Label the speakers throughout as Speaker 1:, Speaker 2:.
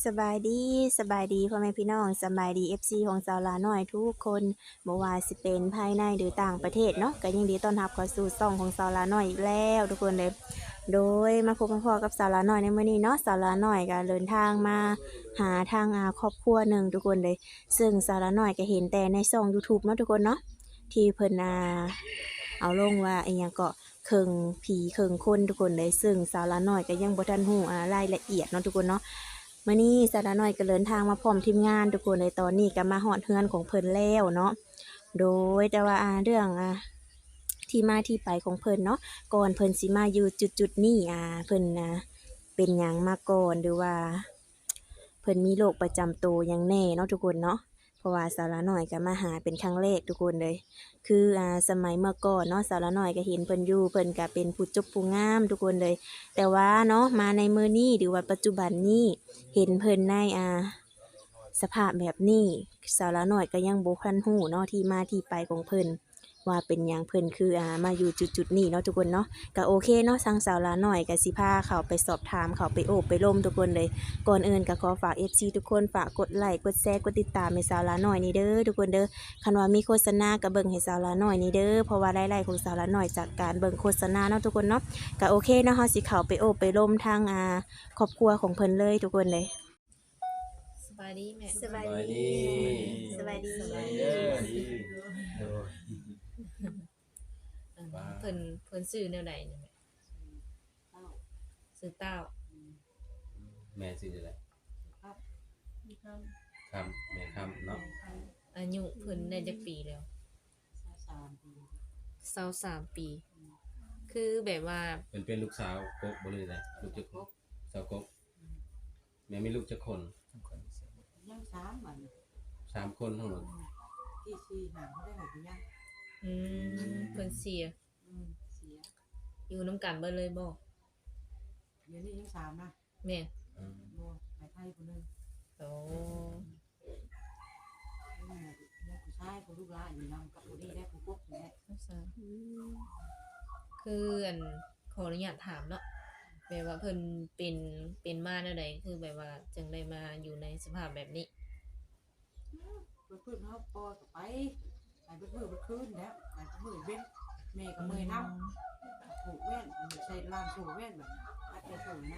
Speaker 1: สบายดีสบายดีพ่อแม่พี่น้องสบายดี FC ของสาวลาน้อยทุกคนบ่ว่าสิเป็นภายในหรือต่างประเทศเนาะก็ยินดีต้อนรับเข้าสู่ช่องของสาวลาน้อยอีกแล้วทุกคนเลยโดยมาพบมาพอกับสาวลาน้อยในมื้อนี้เนาะสาวลาน้อยก็เดินทางมาหาทางครอบครัวหนึ่งทุกคนเลยซึ่งสาวลาน้อยก็เห็นแต่ในช่อง YouTube เนาะทุกคนเนาะที่เพิ่นเอาลงว่าอิหยังก็เคิงผีเคิงคนทุกคนเลยซึ่งสาวลาน้อยก็ยังบ่ทันฮู้รายละเอียดเนาะทุกคนเนาะ มื้อนี้สาระน้อยก็เดินทางมาพร้อมทีมงานทุกคนในตอนนี้ก็มาฮอดเฮือนของเพิ่นแล้วเนาะโดยแต่ว่าเรื่องที่มาที่ไปของเพิ่นเนาะก่อนเพิ่นสิมาอยู่จุดๆนี้เพิ่นเป็นหยังมาก่อนหรือว่าเพิ่นมีโรคประจำตัวหยังแน่เนาะทุกคนเนาะเพราะว่าสาระน้อยก็มาหาเป็นครั้งแรกทุกคนเลยคือสมัยเมื่อก่อนเนาะสาระน้อยก็เห็นเพิ่นอยู่เพิ่นก็เป็นผู้จบผู้งามทุกคนเลย แต่ว่าเนาะมาในมื้อนี้หรือว่าปัจจุบันนี้เห็นเพิ่นในสภาพแบบนี้สาวละน้อยก็ยังบ่ทันฮู้เนาะที่มาที่ไปของเพิ่นว่าเป็นหยังเพิ่นคือมาอยู่จุดๆนี้เนาะทุกคนเนาะก็โอเคเนาะทางสาวละน้อยก็สิพาเข้าไปสอบถามเข้าไปโอบไปล้มทุกคนเลยก่อนอื่นก็ขอฝาก FC ทุกคนฝากกดไลค์กดแชร์กดติดตามให้สาวละน้อยนี่เด้อทุกคนเด้อคันว่ามีโฆษณาก็เบิ่งให้สาวละน้อยนี่เด้อเพราะว่ารายได้ของสาวละน้อยจากการเบิ่งโฆษณาเนาะทุกคนเนาะ ก็โอเคเนาะเฮาสิเข้าไปโอบไปร่มทางครอบครัวของเพิ่นเลยทุกคนเลย
Speaker 2: สบายดีแม่
Speaker 1: สบายดีสบายดี
Speaker 2: สบายดีเพิ่นซื้อแนวใดนี่แม่ซื้อเต้า
Speaker 3: แม่ชื่ออะไรคำแม่คำเนาะ
Speaker 2: อายุเพิ่นได้จักปีแล้ว23ปีคือแบบว่า
Speaker 3: เป็นลูกสาวกกบ่เลยนะลูกจักกสาวกกแม่มีลูกจักคน
Speaker 4: ยัง3มัน
Speaker 3: 3คนทั้งหมด
Speaker 4: ที่4หางบ่ได้ให้ยัง
Speaker 2: อืเพิ่นเสีย
Speaker 4: เสีย
Speaker 2: อยู่นำกันเบิดเลยบ่
Speaker 4: เดี๋ยวนี้ยัง3นะ
Speaker 2: แม่
Speaker 4: บ่ไปไทยผู้นึง
Speaker 2: โอ้
Speaker 4: แล้วผู้ชายผู้ลูกหลานอยู่นำกับผู้นี้ได้ผู้พวกนี่แหละ
Speaker 2: คือขออนุญาตถามเนาะแบบว่าเพิ่นเป็นมาแนวใดคือแบบว่าจึงได้มาอยู่ในสภาพแบบนี้
Speaker 4: เพิ่นเฮาปอก็ไปเบิดมื้อเบิดคืนแล้วไปมื้อเว้นแม่ก็เมื่อยนำถูกแว่นใส่ร้านถูกแว่นแบบอัดได้ถูกนะ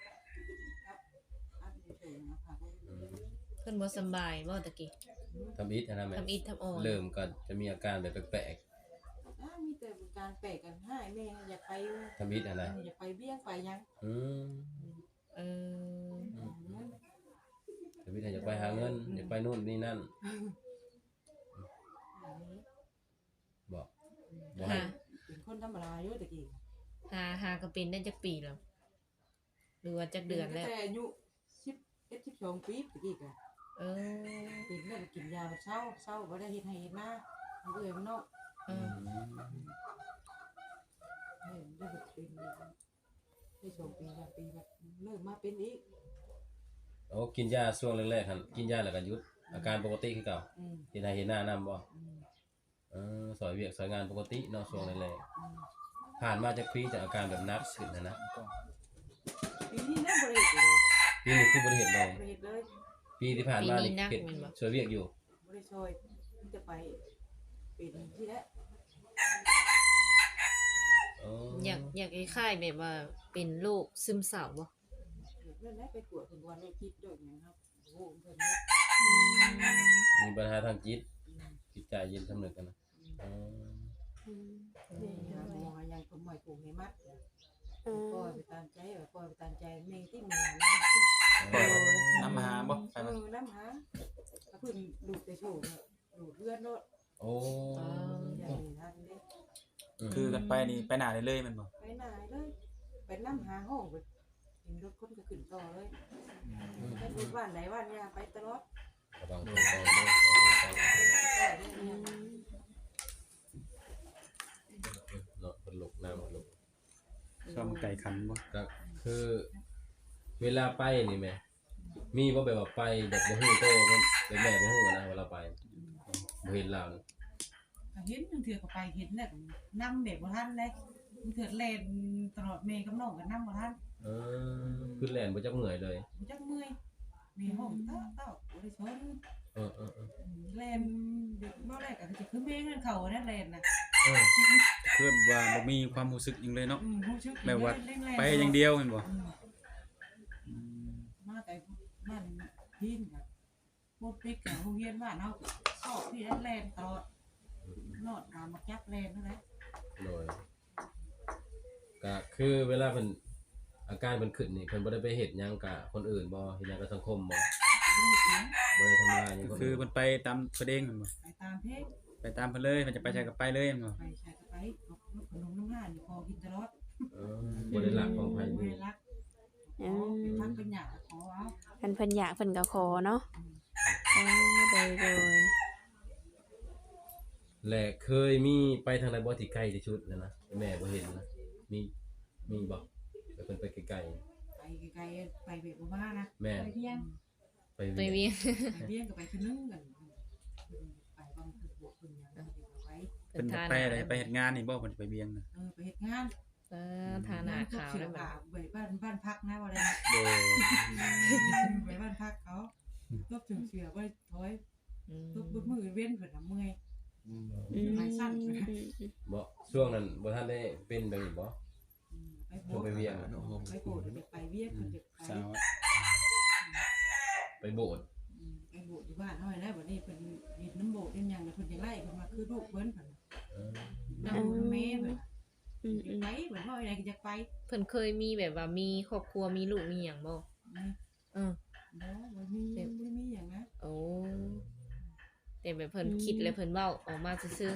Speaker 4: อัดได้ถูกนะคะ
Speaker 2: เพิ่นบ่สำบายบ่ตะกี้
Speaker 3: ทำอิฐนะแม่
Speaker 2: ทำอิฐทำอ่อน
Speaker 3: เริ่มก็จะมีอาการแบบแปลก
Speaker 4: มีแต่การแปลกกันให้แม่อยากไป
Speaker 3: ๆทำอิฐอะไร
Speaker 4: อยากไปเบี้ยงไปยัง
Speaker 2: เออ
Speaker 3: ทำอิฐอยากไปหาเงินอยากไปนู่นนี่นั่นบอกให้
Speaker 4: เป็นคนธรรมดาอยู่ตะกี้
Speaker 2: หาก็เป็นได้จักปีแล้วหรือว่าจักเดือนแล้ว
Speaker 4: แต่อายุ11 12ปีตะกี้ก็เป็นแล้วกินยาเช้าบ่ได้เฮ็ดให้เฮ็ดนาเอาเอื้อยมันเนาะได้แบบเป็นได้2 ปี3 ปีแบบเริ่มมาเป็นอีก
Speaker 3: โอ้กินยาช่วงแรกๆครับกินยาแล้วก็หยุดอาการปกติคือเก่าเฮ็ดให้เฮ็ดหน้านำบ่สอยเวียกสอยงานปกติเนาะช่วงแรกๆผ่านมาจากปีจากอาการแบบนักขึ้นนะ
Speaker 4: ปีนี้นะบ่ได้เฮ็ดเลย
Speaker 3: ปีนี้คือบ่ได้เฮ็ดเลย
Speaker 4: บ่ได้เฮ็ดเลย
Speaker 3: ปีที่ผ่านมานี่เฮ็ดช่วยเวียกอยู่
Speaker 4: บ่ได้ช่วยมันจะไปเป็นที่แล้ว
Speaker 2: อยากคล้ายๆแบบว่าเป็นโรคซึมเศร้าบ่
Speaker 4: เพิ่นได้ไปตรวจเพิ่นว่าได้คิดด้วยหยังครับโอ้เพิ่น
Speaker 3: มีปัญหาทางจิตใจเย็นสำนึกกันนะ
Speaker 4: นี่หมอยังผมหมายปลูกให้มัดปล่อยไปตามใจปล่อยไปตามใจแม่ที่แม่
Speaker 5: น้ำหาบ่ใช่มั้ย
Speaker 4: น้ำหาเพิ่นดูดแต่โชว์ดูดเลือดโลด
Speaker 3: โอ้
Speaker 4: อย่างนี้ทันเด้
Speaker 5: คือกันไปนี่ไปหน้าได้เลยแม่นบ่
Speaker 4: ไปไหนเลยไปน้ำหาห้องไปเห็นรถคนก็ขึ้นต่อเลยไปดูบ้านไหนบ้านยาไปตลอด
Speaker 3: ระวังตัวเด้อเนาะเพิ่นลุกน้ำเพิ่นลุก
Speaker 5: ก็มันไก่ขันบ่
Speaker 3: ก็คือเวลาไปนี่แม่มีบ่แบบว่าไปแบบบ่ฮู้โตแบบแม่บ่ฮู้นะเวลาไปบ่เห็นลาวนี่
Speaker 4: เห็นเถื่อก็ไปเห็นน่ะนำแบบบ่ทันเลยเถื่อแล่นตลอดแม่กับน้องก็นำบ่ทัน
Speaker 3: คือแล่นบ่จักเมื่อยเลย
Speaker 4: บ่จักเมื่อยมีห้องเต้าบ่ได้ชน
Speaker 3: เออ
Speaker 4: แลนบ่ได้ก็จะคือเมงนั่นเขานั่นแลนน่ะ
Speaker 5: คือว่าบ่มีความรู้สึกหยังเลยเนาะ
Speaker 4: รู้สึก
Speaker 5: แบบว่า
Speaker 4: เร่งๆ
Speaker 5: ไปอย่างเดียวแม่นบ่
Speaker 4: มาแต่มันพินแบบพวกปิ๊กกับโรงเรียนบ้านเฮาสอบที่แลนตลอดนอดมามาจับแลนนั่นแหละ
Speaker 3: โดยก็คือเวลาเพิ่นอาการเพิ่นขึ้นนี่เพิ่นบ่ได้ไปเฮ็ดหยังกับคนอื่นบ่เฮ็ดหยังกับสังคมบ่
Speaker 4: บ่ได้เสียง
Speaker 3: บ่ได้ทำลายหยัง
Speaker 5: ก็
Speaker 3: คน
Speaker 5: คือ
Speaker 3: อื่น
Speaker 5: มันไปตามประเด็นแม่นบ่
Speaker 4: ไปตามเพลง
Speaker 5: ไปตามเพิ่นเลยมันจะไปใช้ก็ไปเลยแม่นบ่
Speaker 4: ไปใช้ก็ไปขนมน้ำห้านี่พอกินตลอด
Speaker 3: บ่ได้หลักของไผ
Speaker 4: เว
Speaker 3: นี่
Speaker 4: ลักขอเป็นทักเป็นหยาขอเอา
Speaker 1: เพิ่นอยากเพิ่นก็ขอเนาะโดย
Speaker 3: และเคยมีไปทางใดบ่ที่ใกล้ที่สุดนะแม่บ่เห็นนะมีบ่แต่เพิ่นไปไกล
Speaker 4: ไปไกลๆไปเบียดบ้านะ
Speaker 3: ๆแม่
Speaker 4: ไปเพียง
Speaker 3: ไป
Speaker 2: ไป
Speaker 3: เวียน
Speaker 2: เวียน
Speaker 4: ไปเพียงกับไปคือนึงกันไปบางคือบวกคนยังไป
Speaker 5: เพิ่นจะไปอะไรไปเฮ็ดงานนี่บ่เพิ่นจะไปเบียงน่ะ
Speaker 4: ไปเฮ็ดงาน
Speaker 2: ทาหน้าขาวแล้วแบบ
Speaker 4: ไปบ้านพักนะว่าอะไร
Speaker 5: โดย
Speaker 4: ไปบ้านพักเขาตบถึงเสือไว้ถอย
Speaker 2: อืม
Speaker 4: ตบมือเว้นเพิ่นน่ะเมื่อย
Speaker 1: อืม
Speaker 3: บ่ช่วงนั้นบ่ทันได้เป็นแบบนี้บ่
Speaker 4: ไปโบ
Speaker 3: ช่วงไปเวียง
Speaker 4: ไปโบดไปเวียงเพิ่นจะไป
Speaker 5: สาว
Speaker 3: ไปโบสถ์
Speaker 4: ไปโบดอยู่บ้านเฮาแล้วบัดนี้เพิ่นเฮ็ดน้ำโบดเฮ็ดหยังเพิ่นจะไล่เพิ่นมาคือลูกเพิ่นเพิ่น
Speaker 3: เออ
Speaker 4: น้ำแม่เพิ่นไปเพิ่นว่าอะไรก็จะไป
Speaker 2: เพิ่นเคยมีแบบว่ามีครอบครัวมีลูกมีหยังบ่เออ
Speaker 4: บ่มีหยังนะ
Speaker 2: โอ้แต่แบบเพิ่นคิดแล้วเพิ่นเว้าออกมาซื่อ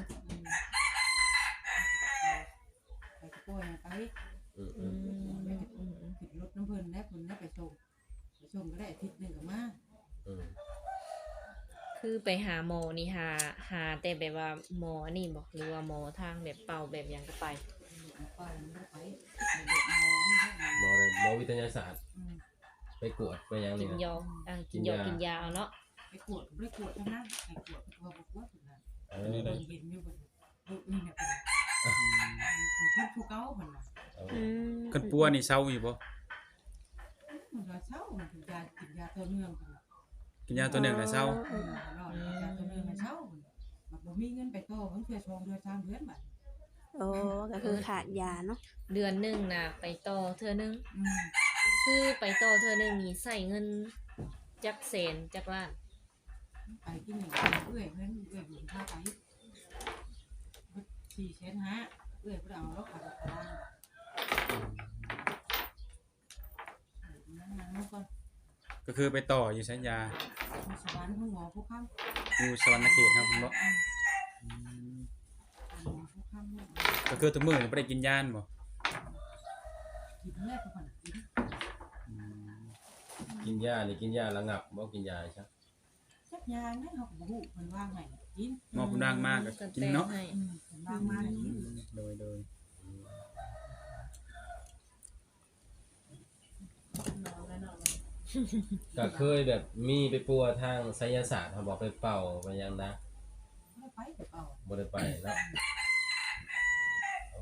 Speaker 4: ไปตะโกนไป
Speaker 3: อืม
Speaker 2: ๆอืมอืม
Speaker 4: ขึ้นรถน้ำเพิ่นแล้วเพิ่นได้ไปส่งก็ได้อาทิตย์นึงก็มา
Speaker 3: อืม
Speaker 2: คือไปหาหมอนี่หาแต่แบบว่าหมอนี่บ่หรือว่าหมอทางแบบเป่าแบบหยังก็ไป
Speaker 4: ป้ามันได้ไปเด็กๆเอานี่
Speaker 3: หมอวิทยาศาสตร์ไปกวดไปหยัง
Speaker 2: กิ
Speaker 3: นี่
Speaker 2: น
Speaker 3: นะ
Speaker 2: ยากินยากินยาเอาเนาะ
Speaker 4: ไปกวดทั้งนั้นไปกวดตัวบอกว่าเพิ่นน่ะ
Speaker 3: เอ
Speaker 4: เพิ่น
Speaker 3: อ
Speaker 4: เห็นอยู่เพิ่นลูกนี่เนี่ยเพิ่นเพิ่นผู้เก่าเพิ่นน่ะ
Speaker 5: เพิ่นปัวนี่เซาอยู่บ่
Speaker 4: มันก็เช้ามันกินยาตัวเนื่องเพิ่นน่ะ
Speaker 5: กินยาตัวหนึงแล้วเซา
Speaker 4: ยาตัวเนื่องมันเช้ามันบ่มีเงินไปต่อเพิ่นเพื่อชงเดือน3เดือนบัด
Speaker 1: โอ้ก็คือขาดยาเนาะ
Speaker 2: เดือนหนึงน่ะไปต่อเทื่อนึงคือไปต่อเทื่อนึงนี่ใช้เงินจักแสนจักล้าน
Speaker 4: ไปที่นี่เอื้อยเพิ่นอยู่ท่าไป4,500,000เอื้อยเพิ่นเอารถขับตารางนั่งก่อน
Speaker 5: ก็คือไปต่ออยู่สัญญา
Speaker 4: สวรรค์ของหมอผู้ค้ำ
Speaker 5: อยู่สวรรณเขตครับเพิ่นบ่
Speaker 4: หมอผู้ค้ำ
Speaker 5: ก็คือทุกมื้อนี่บ่ได้กินยาบ่
Speaker 4: กินแรกก่อนกิน
Speaker 3: กินยานี่กินยาระงับบ่กินยาใช่
Speaker 4: จักยาเนี่ยเขาก็บ่ฮู้เพิ่นว่าไงกิน
Speaker 5: หมอผู้ดังมากก็กินเนาะ
Speaker 2: ให้
Speaker 4: เพิ่นว่ามากิน
Speaker 5: โดย
Speaker 3: ก็เคยแบบมีไปปัวทางไสยศาสตร์เขาบอกไปเป่าไปหยังนะ
Speaker 4: ไม่ไปแต่เปล่า
Speaker 3: บ่ได้ไปแล้วโอ้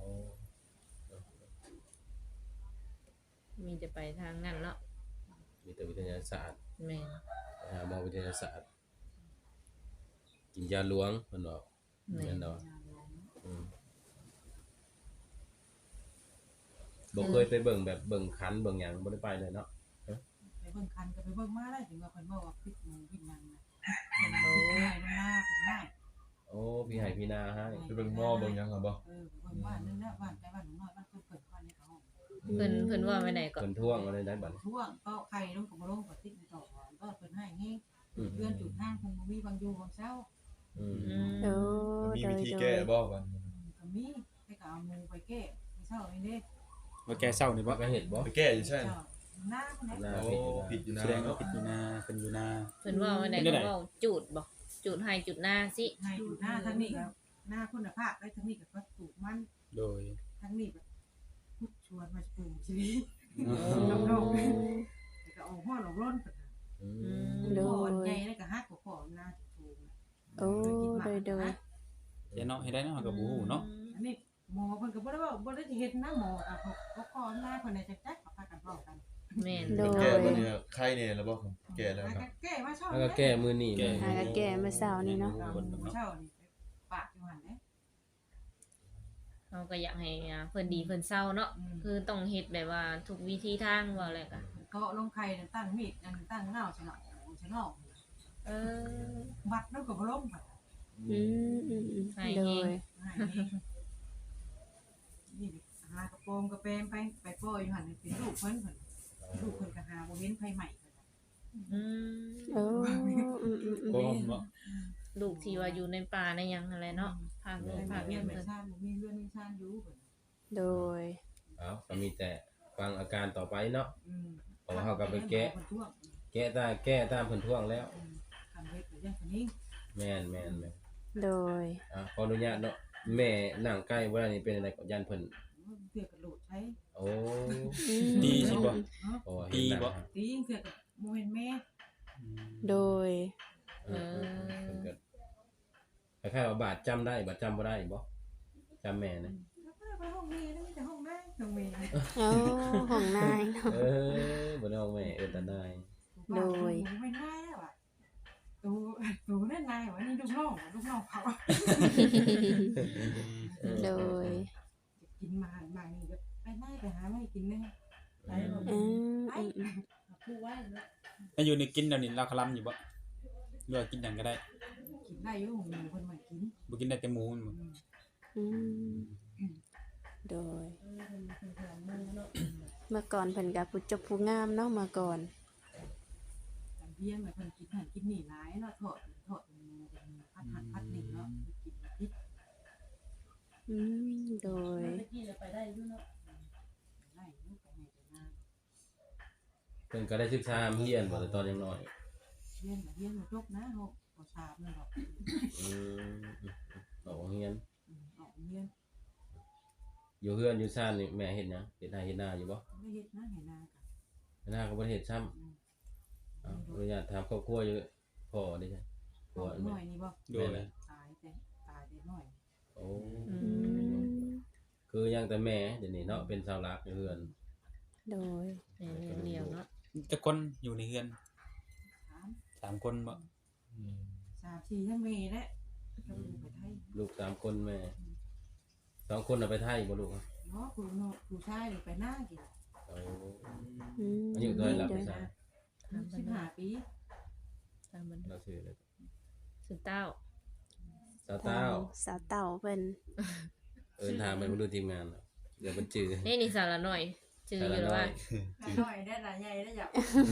Speaker 2: มีจะไปทางนั้นเนาะ
Speaker 3: มีแต่วิทยาศาสตร์
Speaker 2: แม่น
Speaker 3: ไปหาหมอวิทยาศาสตร์กินยาหลวงเพิ่นบอก
Speaker 2: แม่
Speaker 3: แม่
Speaker 2: น
Speaker 3: นเนาะบ่เคยไปเบิ่งแบบเบิ่งคันเบิ่งหยังบ่ได้ไปเลยเนาะ
Speaker 4: ไปเบิ่งคันก็ไปเบิ่งมาได้ถึงว่าเพิ่นบอกว่าพิษหมูพิษนังนะ
Speaker 2: โอ้
Speaker 4: ง่ายมันมาเพิ่นง่าย
Speaker 3: โอ้พี่ให้พี่นาให้
Speaker 6: ไปเบิ่งหม้อเบิ่งหยังอ่ะบ่
Speaker 4: ไปเบิ่งบ้านนึงแล้วบ้านแต่บ้านน้อยบ้านเพิ่นบ้านในเขา
Speaker 2: เพิ่นว่าไว้ไหนก็
Speaker 3: เพิ่นท่วงอะไรได้บัด
Speaker 4: ช่วงก็ไข่ลงกับบ่ลงก็ติดต่อก็เพิ่นให้แฮงเพื่อนจุดห้างคงบ่มีบางอยู่บางเช้า
Speaker 3: อืม
Speaker 1: โอ้
Speaker 6: มี
Speaker 1: โด
Speaker 6: วิ
Speaker 1: ย
Speaker 6: ธี
Speaker 1: โด
Speaker 6: แก้
Speaker 1: ย
Speaker 6: บ่บัดนี้
Speaker 4: ก็มีไปก็เอาหมูไปแก้เช้านี่เด้
Speaker 5: ว่าแกเศร้านี่บ่
Speaker 3: บ่ก็เฮ็ดบ่
Speaker 6: ไปแก้อยู่ใช่
Speaker 4: หน้าคนไหน
Speaker 3: นา
Speaker 6: โอ้
Speaker 3: ผิดอยู่นะ
Speaker 6: ผิดอยู่นะ
Speaker 5: แสดงว่าผิดอยู่นาเป็นอยู่นา
Speaker 2: เพิ่นว่าไว้ไหนก็เว้าจูดบ่จูดให้จุดหน้าสิ
Speaker 4: ให้อยู่หน้าทั้งนี้ก็หน้าคุณภาพได้ทั้งนี้ก็ปลูกมัน
Speaker 5: โดย
Speaker 4: ทั้งนี้แบบพุดชวนมาปลูกชีวิต
Speaker 2: โอ้
Speaker 4: น้องๆแต่ก็เอาห้อนเอาร่นกัน
Speaker 3: อื
Speaker 2: อื
Speaker 3: ม
Speaker 2: ม
Speaker 4: โดนใหญ่แล้วก็ฮักกับพ่อหน้าถูก
Speaker 1: โอ้โดยโดย
Speaker 5: เดี๋ยวเนาะให้ได้เนาะก็บ่ฮู้เนาะ
Speaker 4: อันนี้หมอเพิ่นก็บ่ได้ว่าบ่ได้เฮ็ดนะหมออ่ะเขาขอหน้าเพิ่นได้จักๆเขาพากันเว้ากัน
Speaker 2: แม่น
Speaker 1: โดย
Speaker 6: แก้บัดนี้ใครเนี่ยแล้วบ่ครับ
Speaker 5: แก่แล้วเนาะ
Speaker 4: แก้มาเช้า
Speaker 3: แล้วก็แก้มื้อนี้
Speaker 5: แก้
Speaker 1: หาก็แก่เมื่อเช้านี้เนาะ
Speaker 4: เช้านี่ปากอยู่หั่นเด้
Speaker 2: เราก็อยากให้เพิ่นดีเพิ่นเศร้าเนาะคือต้องเฮ็ดแบบว่าทุกวิธีทางว่าแหละก็
Speaker 4: เกาะลงไข่ตั้งมีดตั้งเงาฉลาดฉลาด
Speaker 2: เออ
Speaker 4: บัดแล้วก็บ่ล้มบัด
Speaker 1: อืมโดย
Speaker 4: นี่หากระโปรงกระเปมไปปล่อยอยู่หั่นเป็นลูกเพิ่นลูกเพิ่นก็หาบ่เห็นไผใหม่
Speaker 2: อืม
Speaker 1: โอ้
Speaker 5: โอ้บ่
Speaker 2: ลูกที่ว่าอยู่ในป่าในหยังอะไรเนาะภาค
Speaker 4: เพิ่
Speaker 2: นู้
Speaker 4: น
Speaker 2: นภาค
Speaker 4: เรี
Speaker 2: นี้
Speaker 4: ยนไม่
Speaker 2: เพิ่น
Speaker 4: ซ่านมีเรื่องมีซ่านอยู่
Speaker 1: โดย
Speaker 3: เอาก็มีแต่ฟังอาการต่อไปเนาะ
Speaker 4: แก้
Speaker 3: ตามเพิ่นท่วงแล้ว
Speaker 4: ทำเฮ็ดอย่างนี้
Speaker 3: แม่น
Speaker 1: โดย
Speaker 3: ขออนุญาตเนาะแม่นั่งใกล้บ่ได้นี่เป็นอะไรก็ยันเพิ่น
Speaker 4: เสือกกระโดดใช้
Speaker 3: โอ้
Speaker 5: ดีสิบ่
Speaker 3: โอ้
Speaker 5: ดีบ่
Speaker 4: ตีเสือกกับโมเห็นแม่
Speaker 1: โดย
Speaker 3: เพิ่นก็คล้ายๆว่าบาดจำได้บาดจำบ่ได้บ่จำแม่นะ
Speaker 4: ไปห้องเมย์แล้วมีแต่ห้องแม่ห้องเมย์
Speaker 1: โอ้ของนายเนาะ
Speaker 3: บ่ได้เอาแม่ตาได้
Speaker 4: ไม่ได้แล้วอ่ะตูนั่นนายว่านี่ลูกน้องเขา
Speaker 1: โดย
Speaker 4: กินมานี่ก็ไปได้ไปหาไม่กินเลยไปแบบ
Speaker 1: ไป
Speaker 4: พูดไว้แล้ว
Speaker 5: ถ้าอยู่ในกินเดี๋ยวนี้เราคลำอยู่บ่หรือว่ากินหยังก็ได้
Speaker 4: กินได้อยู่หมูคนใหม่กิน
Speaker 5: บ่กินได้แต่หมูมันบ่
Speaker 1: โดย เมื่อก่อนเพิ่นก็ผู้จบผู้งามเนาะเมื่อก่อน
Speaker 4: เพี้ยนแบบคนกินหันกินหนีร้ายเนาะถอดพัดหันพัดหนีเนาะกินพิษ
Speaker 1: โดย
Speaker 4: ไปได้ด้วยเนาะได้ลูกไปไหนไปหน้า
Speaker 3: เพิ่นก็ได้ศึกษาเรียนบ่แต่ตอนยังน้อย
Speaker 4: เลี้ยงมาจบนะหกพอสามเลยหรอก
Speaker 3: ออกเรียน
Speaker 4: ออกเลี้ยง
Speaker 3: อยู่เฮือนอยู่ซ่านนี่แม่เฮ็ดหยังเฮ็ดนาอยู่บ่
Speaker 4: ไม่เห็ดนะเห็นนากัน
Speaker 3: เฮ็ดนาก็บ่ได้เฮ็ดซ้ำอนุญาตถามครอบครัวอยู่พ่อได้ใช่
Speaker 4: ตัวหน่อยนี่บ่
Speaker 5: โดย
Speaker 4: ตายแต่หน่อย
Speaker 3: โอ้คือยังแต่แม่เดี๋ยวนี้เนาะเป็นสาวรักอยู่เฮือน
Speaker 1: โดย
Speaker 2: แม่เลี้ยงเนาะ
Speaker 5: จะคนอยู่ในเฮือน 3 คนบ่
Speaker 4: 3-4ทั้งเมย์และก็ไปไทย
Speaker 3: ลูก3คนแม่2คนน่ะไปไทยบ่ลูก
Speaker 4: เนาะผู้ชายไปหน้ากิน
Speaker 3: โอ้อายุเท่าไหร่ล่ะไปซ่า
Speaker 4: 15 ปี
Speaker 2: ตามมัน
Speaker 3: เราชื่อเลย
Speaker 2: สุดเต้า
Speaker 3: สาวเต้า
Speaker 1: สาวเต่าเพิ่น
Speaker 3: ถามไปบ่ดูทีมงานเนาะเดี๋ยวมันจื้อ
Speaker 2: นี่สาระหน่อยจืออยู่แล้วว่า
Speaker 4: หน่อยได้ละใหญ่ได้อยาก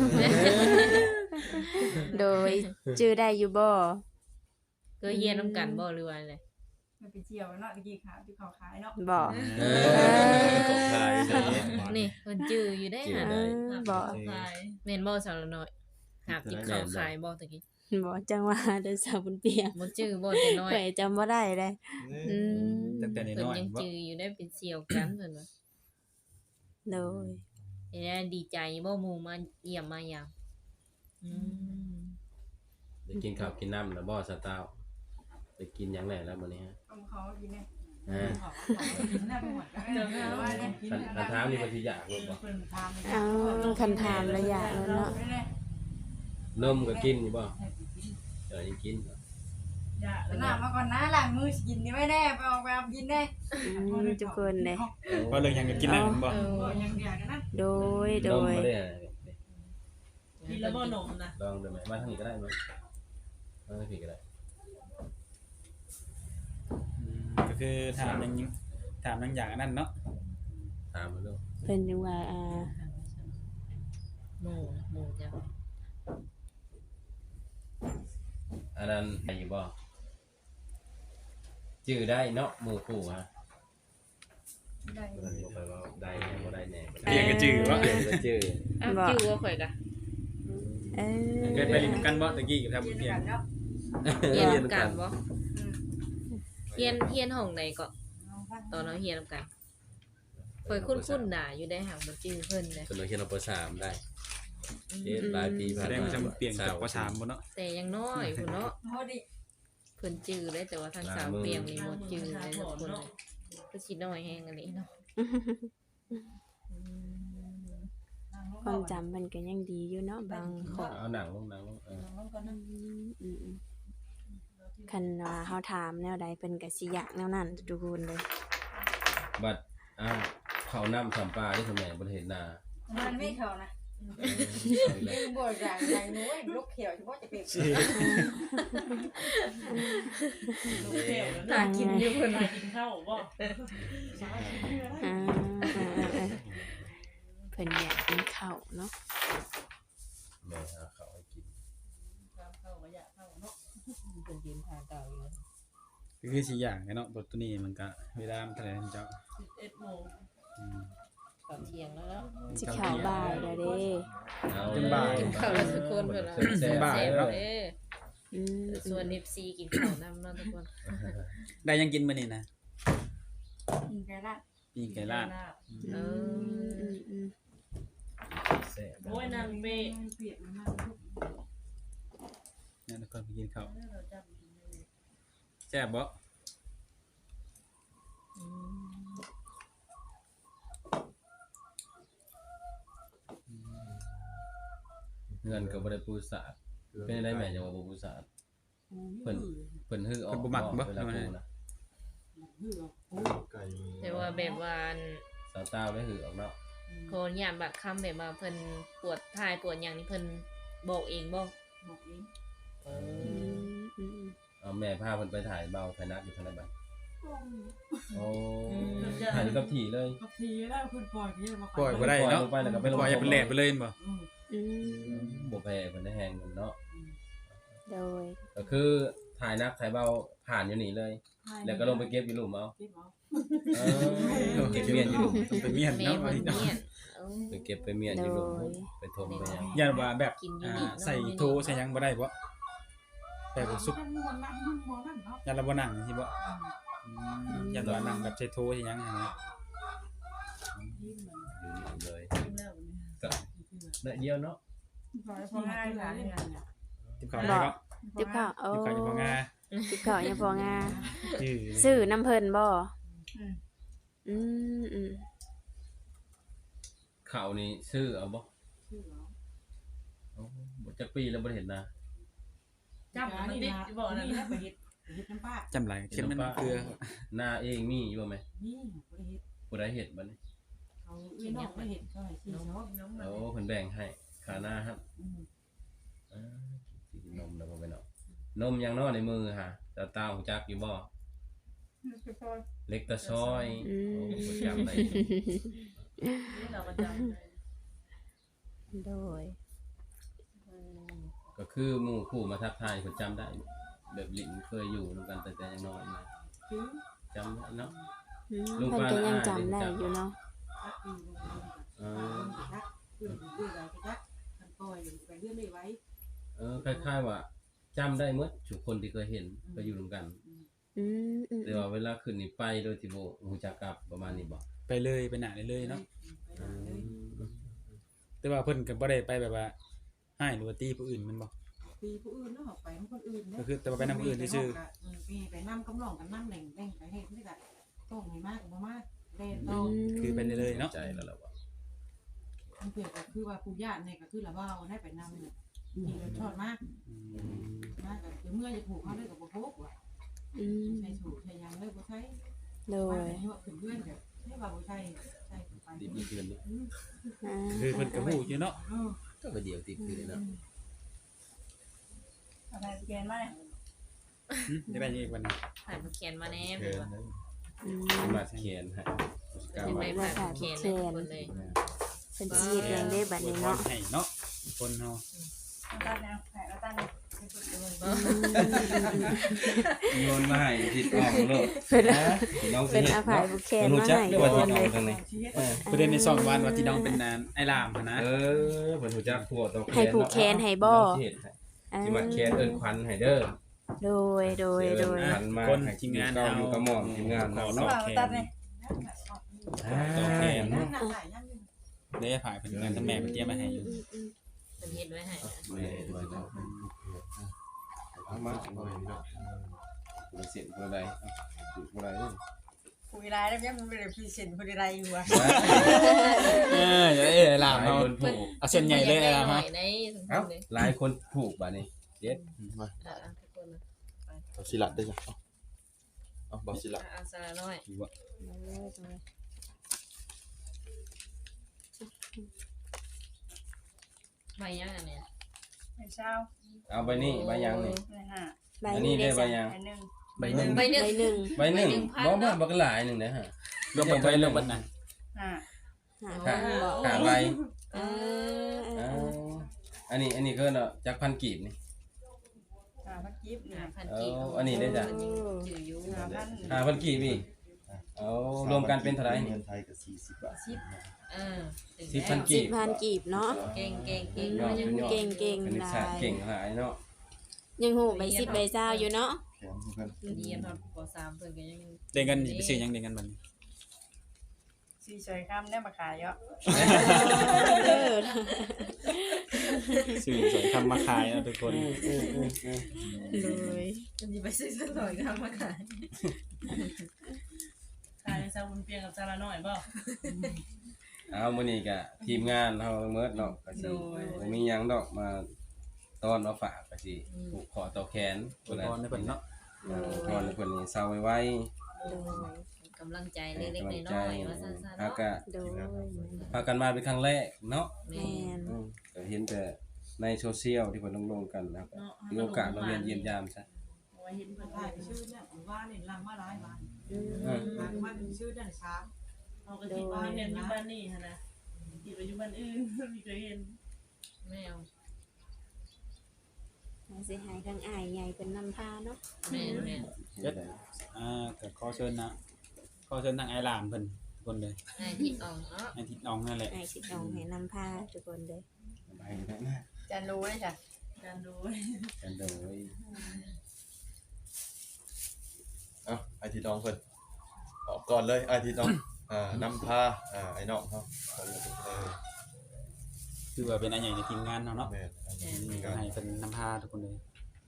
Speaker 1: โดยชื่อได้อยู่บ่
Speaker 2: ก็เฮียนน้ำกันบ่หรือว่าอะไร
Speaker 4: มันไปเที่ยวเนาะตะกี้ขาที่เขาขายเนาะ
Speaker 1: บ่
Speaker 5: ของขายเด้
Speaker 2: นี่เพิ่นจืออยู่ได้หา
Speaker 1: บ่
Speaker 2: ขายแม่นบ่สาระหน่อยหากินข้าวขายบ่ตะกี้
Speaker 1: บ่จังว่าเด้อสาวบุญเปียง
Speaker 2: บ่จือบ่แต่น้อย
Speaker 1: ข่อยจำบ่ได้เลยม
Speaker 5: ตั้งแต่
Speaker 2: เพิ่น
Speaker 5: น้อย
Speaker 2: ยัง
Speaker 5: ๆบ่
Speaker 2: จืออยู่ได้เป็นเสี่ยวกันเพิ่นว่า
Speaker 1: โดย
Speaker 2: เดี๋ยวดีใจบ่หมู่มาเยี่ยมมายามอืม
Speaker 3: ได้กินข้าวกินน้ำแล้วบ่สาวเต้าได้กินหยังแหน่แล้วมื้อนี้ฮะ
Speaker 4: เขากินเนี่ย
Speaker 3: อ่า
Speaker 4: กินได้บ่หมดว่าเนี่ย
Speaker 3: คันถามนี่บ่สิอยากลูกบ่
Speaker 4: เพิ่นทำ
Speaker 1: เอาคันถามระยะแล้วเนาะ
Speaker 3: นมก็กินอยู่บ่ยังกิน
Speaker 4: หน้ามาก่อนนะล้างมือกินนี่ไม่แน่ไปออกไปกินได้
Speaker 1: ทุกคนเลย
Speaker 5: เพราะเรื่องหยังก็กินได้บ่
Speaker 4: ยังเดียวกันนะ
Speaker 1: โดย โด
Speaker 3: นม
Speaker 1: ย
Speaker 3: บ่ได้
Speaker 2: กินแล้วบ่นมนะ
Speaker 3: ลองดูไหมมาทางนี้ก็ได้มั้ยมาทางนี้ก็ได้
Speaker 5: ก็คือถามหยังอย่างอันนั้นเนาะ
Speaker 3: ถามมาดู
Speaker 1: เพิ่นยังว่า
Speaker 2: หมู่จ้ะ
Speaker 3: อันนั้นได้อยู่บ่จื้อได้เนาะหมู่คู่ฮะได้บ่ไปว่าได้แน่บ่ได้แน่
Speaker 5: เรียกก็จื้อบ่
Speaker 3: เรียกก็จื้อ
Speaker 2: อ้าวจือว่าข่อยกะ
Speaker 5: เคยไปเรียนกันบ่ตะกี้กับทำเพียง
Speaker 2: เฮียนนำกันบ่เฮียนห้องไหนก็ตอนเราเฮียนนำกันข่อยคุ้นๆน่ะอยู่ได้หางบ่จื้อเพิ่นเลย
Speaker 3: จนเราเขียนเอาป3ได้เฮ็ดหลายปี
Speaker 5: แส
Speaker 3: ผ่าน
Speaker 5: ดง
Speaker 3: มา
Speaker 5: ว่าจะเปลี่ยนจากป .3 บ่เนาะ
Speaker 2: แต่ยังน้อยพุ่นเนาะ
Speaker 4: โหดิ
Speaker 2: เพิ่นจื้อได้แต่ว่าทางสาวเปียงนี่บ่จื้อเลยทุกคนเลยก็สิน้อยแฮงอันนี้เนาะ
Speaker 1: ความจำมันก็ยังดีอยู่เนาะบางข้อ
Speaker 3: เอาหนังลง
Speaker 4: น้องก็นั่ง
Speaker 1: อืมคันว่าเฮาถามแนวใดเพิ่นก็สิอยากแนวนั้นทุกคนเลย
Speaker 3: บัดเขาน้ำสัมปลาที่ทำไมบ่เห็นนา
Speaker 6: มันไม่เขานะยังบ่อย่างไรน้อยลูกเขียวเฉพาะจะเป็น
Speaker 2: น่ากินอยู่เพิ่น
Speaker 6: กินข้าวบ่
Speaker 1: อ่าเพิ่นอยากกินข้าวเนาะ
Speaker 3: แม่หาเขาให้กิน
Speaker 6: ข้าวก็อยากข้าวเนาะ
Speaker 2: เพิ่นกินทานเก่าอยู่
Speaker 5: คือสิอย่างเนาะตัวนี้มันก็เวลามันเท่าไหร่เจ้า
Speaker 6: 11 โมง
Speaker 5: อืม
Speaker 2: ตอนเที่ยงแล้วเนาะ
Speaker 1: สิเข้าบ่ายแล้วเด้
Speaker 3: เอา
Speaker 5: เป็นบ่าย
Speaker 2: กินข้าวแล้วทุกคนเพิ่นว่า
Speaker 3: แซ่บ
Speaker 5: บ่าย
Speaker 3: ๆ
Speaker 5: เนาะ
Speaker 2: เด้อ
Speaker 1: อืม
Speaker 2: ส่วน FC กินข้าวนํเนาะทุกคน
Speaker 5: ได้ยังกินมื้อนี้นะ
Speaker 6: กินไก่ลาด
Speaker 5: ปีไก่ลาด
Speaker 2: เออ
Speaker 3: แซ่บ
Speaker 6: โอ้ยนางเบ้
Speaker 4: เปียกมันมาก
Speaker 5: เนี่ยทุกคนไปกินข้าว
Speaker 6: เราจำ
Speaker 5: แซ่บบ่
Speaker 3: เงินก็บ่ได้ปูสาดเป็นได้แม่จังว่าบ่ปูสาดเพิ่นฮื้อออกเวลาปูนะ
Speaker 2: แต่ว่าแบบว่าอัน
Speaker 3: สาวต้าวได้ฮื้อออกเนาะ
Speaker 2: โคนยามบัดค่ำแบบว่าเพิ่นปวดท้ายปวดหยังนี่เพิ่นบอกเองบ่
Speaker 4: บอกเอง
Speaker 3: เอาแม่พาเพิ่นไปถ่ายเบาไทนักอยู่ทางไหนบ้างโอ้ถ่ายอยู่กับถี่เลย
Speaker 4: กับทีแล้วคุณปล่อยที่มา
Speaker 5: ปล่อยบ่ได้เนาะ
Speaker 3: ลงไปแล้วก็ไปลง
Speaker 5: ปล่อยให้เป็นแหลกไปเลยบ่
Speaker 1: อืม
Speaker 3: บ่แพ้เพิ่นได้แฮงเนาะ
Speaker 1: โดย
Speaker 3: ก็คือถ่ายนักถ่ายเบาผ่านอยู่นี่เลย แล้วก็ลงไปเก็บอยู่หลุมเอา
Speaker 4: เก็บเอา
Speaker 3: เก็บเมียนอยู่หลุม
Speaker 5: ต้องไปเมียน
Speaker 2: แม่
Speaker 5: เนาะ
Speaker 2: เพิ่นเมียนเออ
Speaker 3: ไปเก็บไปเมียนอยู่หลุมไปทมไปหยัง
Speaker 5: อย่าว่าแบบ
Speaker 2: กินอยู่นี่เนาะ
Speaker 5: ใส่โทใส่หยังบ่ได้บ่แต่บ่สุก
Speaker 4: มันนั่งมันมองนั่นเนาะ
Speaker 5: ยันเราบ่นั่งสิบ่ยันว่านั่งแบบใส่โทใส่หยังหั่นนะ
Speaker 3: อยู่นี่เลย
Speaker 6: กินแล้ว
Speaker 3: ก็ได้เดียวเนาะ
Speaker 6: พอง่ายหลานเนี่ย
Speaker 5: ติบข้าวได้ก็
Speaker 1: ติบข้าวโอ้
Speaker 5: ติบข้าวอยู่บ่งา
Speaker 1: ติบข้าวยังพองา
Speaker 5: ชื่อ
Speaker 1: ซื้อน้ำเพิ่นบ่อืม
Speaker 3: ข้าวนี่ซื้อเอาบ่
Speaker 4: ชื่อเหรอ
Speaker 3: บ่จักปีแล้วบ่เห็นนะ
Speaker 6: จับมันติดบอกนั่น
Speaker 4: ไปเฮ็ดน้ำป้า
Speaker 5: จำหลายเข้มมันเกลือ
Speaker 3: หน้าเองมีอยู่บ่แม่
Speaker 4: นี่ไปเฮ็ด
Speaker 3: ผู้ใดเฮ็ดบัดนี้
Speaker 4: เขาอีน้องไปเฮ็ดเขาให้ที่เนาะ
Speaker 6: น้อง
Speaker 3: โอ้เพิ่นแบ่งให้ค่าหน้าครับกินนมแล้วบ่ไปเนาะนมยังเนาะในมือฮะตาตาหูจักอยู่บ่เล็กตะซอยโอ้บ่จำได้
Speaker 6: เราก็จำ
Speaker 1: โดย
Speaker 3: ก็คือหมู่คู่มาทักทายเพิ่นจำได้ แบบลิ้นเคยอยู่นำกันแต่ยังน้อยนะ
Speaker 4: คือ
Speaker 3: จำได้เนาะ
Speaker 1: เพิ่นก็ยังจำได้อยู่เนาะ
Speaker 4: ทักอีลงทักเรื่องเรื่องอะไรก็ทักมันปล่อยไปเรื่องไม่ไว้
Speaker 3: คล้ายๆว่าจำได้หมดทุกคนที่เคยเห็นเคยอยู่ร่วมกัน
Speaker 1: อืม
Speaker 3: แต่ว่าเวลาขึ้นนี่ไปโดยที่บ่ฮู้จักกับประมาณนี้บ่
Speaker 5: ไปเลยไปหน้าเลยเนาะแต่ว่าเพิ่นก็บ่ได้ไปแบบว่าให้หรือว่าตีผู้อื่นมันบ่
Speaker 4: ปีผู้อื่นเนาะไปของคนอื่น
Speaker 5: ก็คือแต่ว่าไปนำผู้อื่นซื่อ
Speaker 4: ไปนำกำลังกันนำแหล่งไปเฮ็ดนี่ก็ต้องให้มากบ่มากเล่นต้อง
Speaker 5: คือไปเลยเนาะ
Speaker 3: ใจแล้วล่ะว่า
Speaker 4: มันเปรียบก็คือว่าผู้ญาติเนี่ยก็คือละว่าให้ไปนำเนี่ยมีรสชอบมากมากก็เมื่อจะผูกเขาเลยกับบ่พกว่ะ
Speaker 1: อืม
Speaker 4: ใช้สูตรใช้ยังเลยบ่ใช้
Speaker 1: โด
Speaker 4: ว่าย เป็นยั่วขึ้นเพื่อนก็ให้ว่าบ่ใช้ใช้ไป
Speaker 3: ติดอีกเดือนนี้
Speaker 1: อ่า
Speaker 5: คือเพิ่นก็ฮู้อยู่เนาะ
Speaker 3: ก็ไปเดียวติดคือเนาะ
Speaker 6: อะไรเปลี่ยนมา
Speaker 5: จะได้อีกวันนึง
Speaker 2: ผ่านผู้เขียนมาแน่
Speaker 3: เอ
Speaker 2: เพิ่น
Speaker 3: อ
Speaker 2: ว่า
Speaker 1: อืม
Speaker 3: มาเขียนให้กา
Speaker 2: เป็น
Speaker 3: ไว้
Speaker 2: ไปผ่านผู้เขียนเลยทุกคนเลย
Speaker 1: เพิ่นสิเฮ็ดเองได้บัดนี้เนาะ
Speaker 5: ให้เนาะคนเฮา
Speaker 6: ตั้งแนวแผลตั้ง
Speaker 3: โยนมาให้ทิศออกโลด
Speaker 1: เพิ่น
Speaker 3: น้องสิ
Speaker 1: เป็น
Speaker 3: เฮ็ด
Speaker 1: อาภัย
Speaker 3: เนาะ
Speaker 1: บุแคน
Speaker 3: รู้
Speaker 1: มา
Speaker 3: จัก
Speaker 1: ให้
Speaker 3: ได้ว่า
Speaker 1: ก่อ
Speaker 3: ที่
Speaker 1: น
Speaker 3: น้
Speaker 1: เล
Speaker 3: อง
Speaker 1: ย
Speaker 3: ทางนี้
Speaker 5: ประเด็นใน2วันว่าที่น้องเป็นนานไอ้ลามนะ
Speaker 3: เเพิ่นรู้จักพวกตอ
Speaker 1: ให้ผูกแขนให้บ่
Speaker 3: สิมาแคนเอิ้นขวัญให้เด้อ
Speaker 1: โดย
Speaker 3: ขวัญมา
Speaker 5: คน
Speaker 3: ให้
Speaker 5: ทีมงาน
Speaker 3: เก่าอยู่กับหม่อมทีมงาน
Speaker 5: ขอ
Speaker 3: เนาะ
Speaker 5: ต่อแขน ต่อแขน
Speaker 4: นั่นน่ะหลายอย่างนึง
Speaker 5: ได้ผ่ายเพิ่นงานทั้งแม่เพิ่นเตรียมมาให้อยู่
Speaker 2: เพิ่นเฮ็ดไว้ให้
Speaker 3: เอามาบ่เสร็จบ่ได้บ่ได้
Speaker 6: คุยไรแล้วยังมันเป็นพรีเซนต์คุยไรอยู่อ่ะ
Speaker 5: อย่าไอ้ลามเฮา
Speaker 3: คนผูก
Speaker 5: เอาเส้นใหญ่เลยนะ
Speaker 2: หน่
Speaker 5: ฮะ
Speaker 2: อยในสม
Speaker 3: เอ้า
Speaker 2: เลย
Speaker 3: หลายคนผูกบัดนี้เจ็ด
Speaker 7: มา
Speaker 2: ทุกคนนะ
Speaker 7: เอาสิลัดได้จ้ะเอาบ่สิลัด
Speaker 2: เอาซาหน่อยใบยังอันเนี่ย
Speaker 6: ไม่เช้า
Speaker 3: เอาใบนี้ใบยังนี่
Speaker 6: ไม่ห้า
Speaker 1: ใบ
Speaker 3: อัน
Speaker 1: นี้
Speaker 3: นี้
Speaker 1: ได้
Speaker 3: ได้ใบ
Speaker 1: จ้ะ
Speaker 3: ยัง
Speaker 6: อันหนึ่ง
Speaker 5: ใบหนึ่ง
Speaker 2: ใบหนึ่ง
Speaker 1: ใบหนึ่ง
Speaker 3: ใบหนึ่ง
Speaker 2: พัน
Speaker 3: บ่
Speaker 2: เนาะ
Speaker 3: บักหลายหนึงนะฮะ
Speaker 5: รวมเบิดไปรวมเบิดน่ะ
Speaker 6: ห้า
Speaker 1: หา
Speaker 3: ค่ะ
Speaker 1: บ่
Speaker 3: ค่ะใบ
Speaker 1: เออ
Speaker 3: เอาอันนี้คือเนาะจักพันกีบนี่
Speaker 6: พันกิฟต์เนี่ย
Speaker 2: พันกีบ
Speaker 3: เอาอันนี้ได้จ้ะ
Speaker 2: จืดอยู่
Speaker 3: 5,000กีบอีกเอารวมกันเป็นเท่าไหร่
Speaker 7: เงินไทยก็40 บาท
Speaker 3: 10,000กี
Speaker 1: 10,000 กีบเนาะ
Speaker 2: เก่งเก่ง
Speaker 1: อื
Speaker 2: เก่ง
Speaker 1: ม
Speaker 2: ยัง
Speaker 1: เก่งเก่ง
Speaker 3: เป็น
Speaker 1: หลา
Speaker 3: ศาสตร์
Speaker 1: ย
Speaker 3: เก่งหลายเนาะ
Speaker 1: ยังหูใบ10ใบ20อยู่เนาะ
Speaker 7: แข็งเพิ่น
Speaker 2: เรียนตอนป .3 เพิ่นก็ยัง
Speaker 5: ได้เงินไปซื้อหยังได้เงินบัดนี้
Speaker 6: สี่สวยคำได้มาขายเยอะ
Speaker 1: เออ
Speaker 5: ซื้อสวยทำมาขายนะทุกคน
Speaker 1: เลย
Speaker 2: มันสิไปซื้อซะหน่อยก็มาขาย
Speaker 8: ขายในซาบุนเปียงกับซาลาน้อยบ่
Speaker 3: เอามื้อนี้ก็ทีมงานเฮาเมิดเนาะก็สิบ่มีหยังดอกมาต้อนมาฝากก็สิผูกคอต่อแขน
Speaker 5: อวยพรให้เพิ่นเนาะ
Speaker 3: พรให้เพิ่นนี่เศร้าไว้
Speaker 2: กำลังใจ
Speaker 3: ๆ
Speaker 2: เล็ก
Speaker 3: กำลัง
Speaker 2: ๆ
Speaker 3: ใจ
Speaker 2: น้อยๆว่าซั่นๆ
Speaker 3: พา
Speaker 2: เนาะ
Speaker 3: ก็
Speaker 1: โดย
Speaker 3: พากันมาเป็นครั้งแรกเนาะ
Speaker 2: แม่
Speaker 1: แม่น
Speaker 3: ก็เห็นแต่ในโซเชียลที่เพิ่นลงกันนะครับมีโอกาสมาเรียนเยี่ยมยามซะ
Speaker 8: เอาไว้เห็นเพิ่น
Speaker 4: ถ่า
Speaker 8: ถ่าย ย
Speaker 4: ชื่อเนี่ยว่าเนี่ยลังมาหลายบ้าน
Speaker 3: เออ
Speaker 4: หลังว่าชื่อเนี่ยช้าง
Speaker 8: เอาก็คิดว่าเห็นอยู่บ้านนี่หั่นนะคิดว่าอยู่บ้านอื่นมีเคยเห็น
Speaker 2: แมว
Speaker 1: สิให้ทั้งอ้ายใหญ่เพิ่นนำพาเนาะ
Speaker 2: แม่แม่
Speaker 5: ก็ขอเชิญนะขอเชิญทางไอหลามเพิ่นทุกคนเลย
Speaker 2: ให้ทิดอองเนาะ
Speaker 5: ไอทิดน้องนั่นแหละ
Speaker 1: อ้ายสิต้องให้นำพาทุกคนเลย
Speaker 3: ไปได้นะ
Speaker 6: จันรู้ได้จ้ะ
Speaker 8: การดู
Speaker 3: กันโดย
Speaker 7: เอาไอทีน้องเพิ่นออกก่อนเลยไอทีน้องนำพาไอ้น้องเฮาเอาเลย
Speaker 5: คือว่าเป็นอันใหญ่ในทีมงานเนาะเนาะ
Speaker 7: แม่นอันนี้มี
Speaker 5: ก็
Speaker 7: การ
Speaker 5: ให้เป็นนำพาทุกคนเลย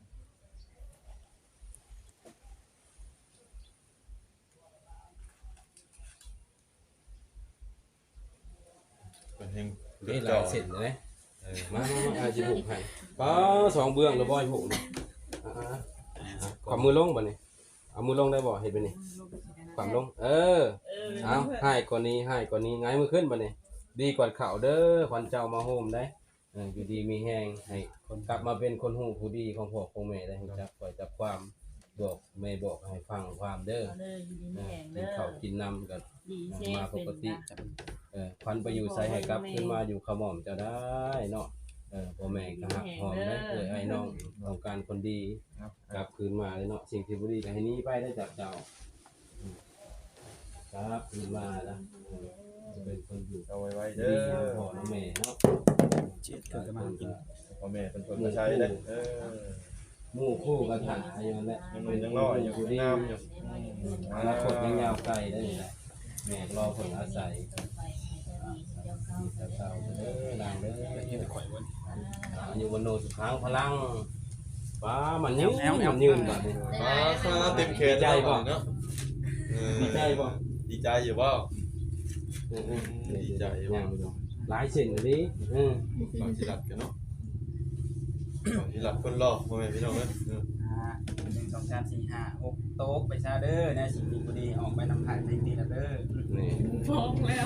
Speaker 7: เพิ่นเฮง
Speaker 3: นี่ลายเส้นเลยมาอาจิผูกให้ป้าสองเบื้องแล้วบ่อยผูกนี่ขวามือลงบ่นี่เอามือลงได้บ่เห็นบ่นี่ความลงเอาให้กว่านี้ไงมือขึ้นบ่นี่ดีกว่าเข่าเด้อขวัญเจ้ามาโฮมได้อยู่ดีมีแห้งให้คนกลับมาเป็นคนหูผู้ดีของพ่อของแม่ได้รู้จักปล่อยจับความบอกแม่บอกให้ฟังความเด้อ
Speaker 8: เอาเลยอยู่ดีมีแหง
Speaker 3: กิ
Speaker 8: เด้
Speaker 3: น
Speaker 8: อ
Speaker 3: ข้าวกินน้ำกัน
Speaker 8: ดีเช่
Speaker 3: มาป
Speaker 8: เป็น
Speaker 3: กติ
Speaker 8: นะ
Speaker 3: ควันไปอยู่ใส่ให้กลับขึ้นมาอยู่ขมอมเจะได้เนาะพ่อแม่ก็หักหอมได้เลยไอ้น้องต้องการคนดีกลับคืนมาเลยเนาะสิ่งที่บ่ดีก็ให้หนี้ไปได้จากเจ้าครับคืนมาแล้วจะเป็นคนอยู่
Speaker 7: เอาไว้
Speaker 3: ดี
Speaker 7: เด้อ
Speaker 3: พ่อและแม่เนาะ
Speaker 5: เจ็ดเกิดกันมากิน
Speaker 7: พ่อแม่เป็นคนมาใช้เด้อ
Speaker 3: หมู่คู่กันถ่าอย่างนั้นแหละ
Speaker 7: ยังน้อยอยู่
Speaker 3: ผู้ดี
Speaker 7: งามอยู่
Speaker 3: อนาคตยังยาวไกลได้นี่แหละแม่รอผลอาศัยเจ้าเด้อนางเด้อ
Speaker 5: เฮ็ดข่อยวัน
Speaker 3: อยู่บนโนสุขังพลังป้ามันยืนมันยืนแบบนี้
Speaker 7: เต็มเขต
Speaker 3: ดีใจบ่
Speaker 7: เนาะ
Speaker 3: ดีใจบ่
Speaker 7: ดีใจอยู่บ่
Speaker 3: ดีใจยังหลายสิ่งเลยดิ
Speaker 7: ฝากสิลัดกันเนาะฝากสิลัดคนรอพ่อแม่พี่น้องเด้อ
Speaker 5: 1 2 3 4 5 6โต๊ะไปซะเด้อนะสิ่งดีบ่ดีออกไปนำถ่ายไปดีแล้วเด้อ
Speaker 3: นี่
Speaker 8: ฟ้องแล้ว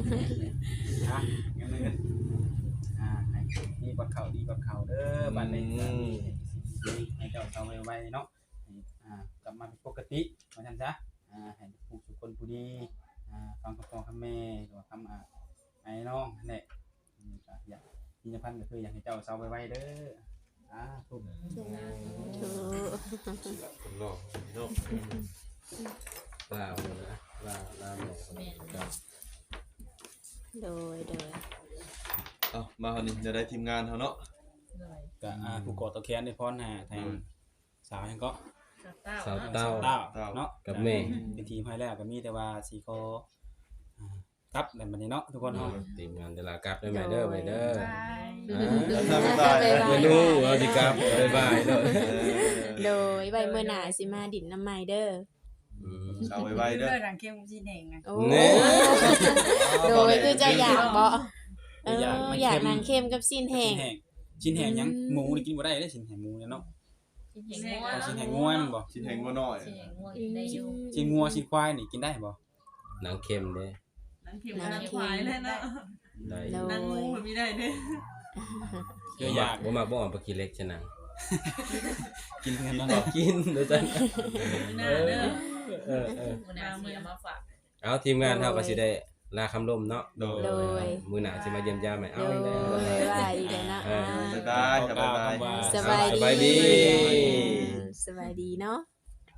Speaker 5: งั้นเลยให้ดีกว่าเขาดีกว่าเขาเด้อบัดนี้ให้เจ้าเขาไวๆเนาะกลับมาเป็นปกติว่าซั่นซะให้ผู้สุคนผู้ดีฟังคำพ่อคำแม่หรือว่าคำไอ้น้องนั่นแหละอยากที่จะพันก็คืออยากให้เจ้าเซาไวๆเด้อทุก
Speaker 1: ถูก
Speaker 7: สิลัดคนรอพี่น้อง
Speaker 3: ลาวนะลาวแม่ครับ
Speaker 1: โดย
Speaker 7: เอามาคราวนี้จะได้ทีมงานเฮาเนาะ
Speaker 5: ก็ผู้กอดตะแคนได้พรทางสาวยังก็
Speaker 3: สาวเต้า
Speaker 5: เนาะ
Speaker 3: กับแม่
Speaker 5: เป็นทีมให้แล้วก็มีแต่ว่าสีก็ครับแบบนี้เนาะทุกคนเนาะ
Speaker 3: ทีมงานเวลากลับได้ไหมเด้อไปเด้อ
Speaker 7: บ๊ายบาย
Speaker 3: ไม่รู้ว่าสิกลับบ๊ายบายเด้อ
Speaker 1: โดยใบเมื่อหนาสิมาดินน้ำไม้เด้อ
Speaker 7: เอาไว้เด้อ
Speaker 6: เลือดรังเข้มจีเน่งนะ
Speaker 1: โอ้โดยคือจะอยากบ่เอออยากนางเค็มกับซีนแห้ง
Speaker 5: ชิ้นแห้งยังหมูนี่กินบ่ได้เด้ชิ้นแห้งหมูเนี่ยเนาะ
Speaker 2: ชิ้นแห้งงัว
Speaker 5: ชิ้นแห้งงัวมันบ่
Speaker 7: ชิ้นแห้งงัวน้อย
Speaker 2: ชิ้นแห้งงัวกินได้อยู่
Speaker 5: ชิ้นงัวชิ้นควายนี่กินได้บ่
Speaker 3: หนังเค็มเด้
Speaker 8: นั่งเข็มนั่งควายเลยเนาะ
Speaker 3: ได้
Speaker 1: โด
Speaker 8: นั่งงู
Speaker 1: ย
Speaker 8: มันไม่ได้เด้
Speaker 5: คืออยาก
Speaker 3: บ่มาบ่เอาไปกินเล็กชะนัง
Speaker 5: กินกันเนาะ
Speaker 3: เอากินเด้อจ้ะ
Speaker 8: ไม่น่าเด้อ
Speaker 2: มื้อหน้าสิเอามาฝาก
Speaker 3: เอาทีมงานเฮาก็สิได้ลาคำล่มเนาะ
Speaker 7: โดย
Speaker 1: โดย
Speaker 3: มื้อหน้าสิมาเยี่ยมยามให้เอา
Speaker 1: โด
Speaker 3: ได้
Speaker 1: ยว่าอีกแล้วเนาะ
Speaker 7: บ๊ายบายครับบ๊ายบาย
Speaker 1: สบาย
Speaker 3: สบายดี
Speaker 1: สบายดีเนาะ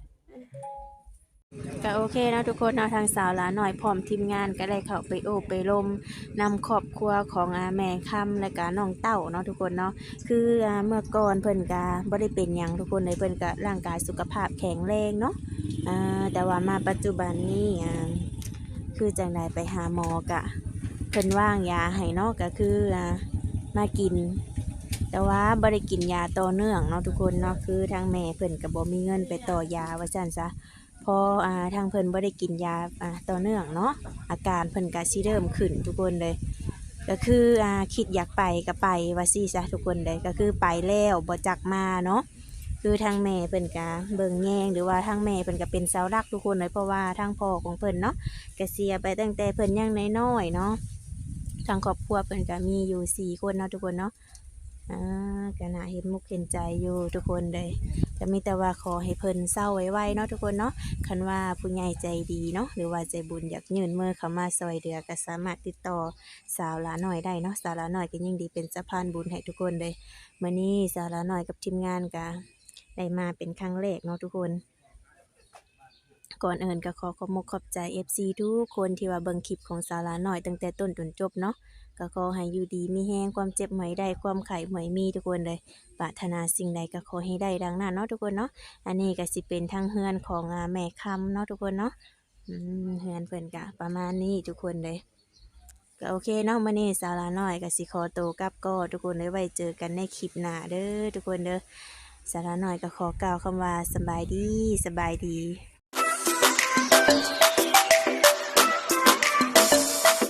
Speaker 1: ก็โอเคเนาะทุกคนเนาะทางสาวหลาหน่อยพร้อมทีมงานก็ได้เข้าไปโอบไปลมนำครอบครัวของแม่ค่ำและก็น้องเต้าเนาะทุกคนเนาะคือเมื่อก่อนเพิ่นก็บ่ได้เป็นหยังทุกคนเลยเพิ่นก็ร่างกายสุขภาพแข็งแรงเนาะแต่ว่ามาปัจจุบันนี้คือจังไดไปหาหมอกะเพิ่นว่างยาให้เนาะก็คือมากิน แต่ว่าบ่ได้กินยาต่อเนื่องเนาะทุกคนเนาะคือทางแม่เพิ่นก็บ่มีเงินไปต่อยาว่าซั่นซะพอทางเพิ่นบ่ได้กินยาต่อเนื่องเนาะอาการเพิ่นก็สิเริ่มขึ้นทุกคนเลยก็คือคิดอยากไปก็ไปว่าซี่ซะทุกคนเลยก็คือไปแล้วบ่จักมาเนาะคือทางแม่เพิ่นก็เบิ่งแยงหรือว่าทางแม่เพิ่นก็เป็นเสาหลักทุกคนเลยเพราะว่าทางพ่อของเพิ่นเนาะก็เสียไปตั้งแต่เพิ่นยังน้อยๆเนาะทางครอบครัวเพิ่นก็มีอยู่4คนเนาะทุกคนเนาะก็น่าเห็นมุกเห็นใจอยู่ทุกคนเลยก็มีแต่ว่าขอให้เพิ่นเศร้าไวๆเนาะทุกคนเนาะคันว่าผู้ใหญ่ใจดีเนาะหรือว่าใจบุญอยากยื่นมือเข้ามาซอยเหลือก็สามารถติดต่อสาวหลาน้อยได้เนาะสาวหลาน้อยก็ยิ่งดีเป็นสะพานบุญให้ทุกคนเลยมื้อนี้สาวหลาน้อยกับทีมงานก็ได้มาเป็นครั้งแรกเนาะทุกคนก่อนอื่นก็ขอขอบคุณขอบใจ FC ทุกคนที่ว่าเบิ่งคลิปของสาวหลาน้อยตั้งแต่ต้นจนจบเนาะก็ขอให้อยู่ดีมีแฮงความเจ็บหมอยได้ความไข้หมอยมีทุกคนเลยปรารถนาสิ่งใดก็ขอให้ได้ดังนั้นเนาะทุกคนเนาะอันนี้ก็สิเป็นทางเฮือนของแม่คำเนาะทุกคนเนาะเฮือนเพิ่นก็ประมาณนี้ทุกคนเลยก็โอเคเนาะมื้อนี้สาวหลาน้อยก็สิขอตัวกลับก็ทุกคนเลยไว้เจอกันในคลิปหน้าเด้อทุกคนเด้อสาวหลาน้อยก็ขอกล่าวคำว่าสบายดี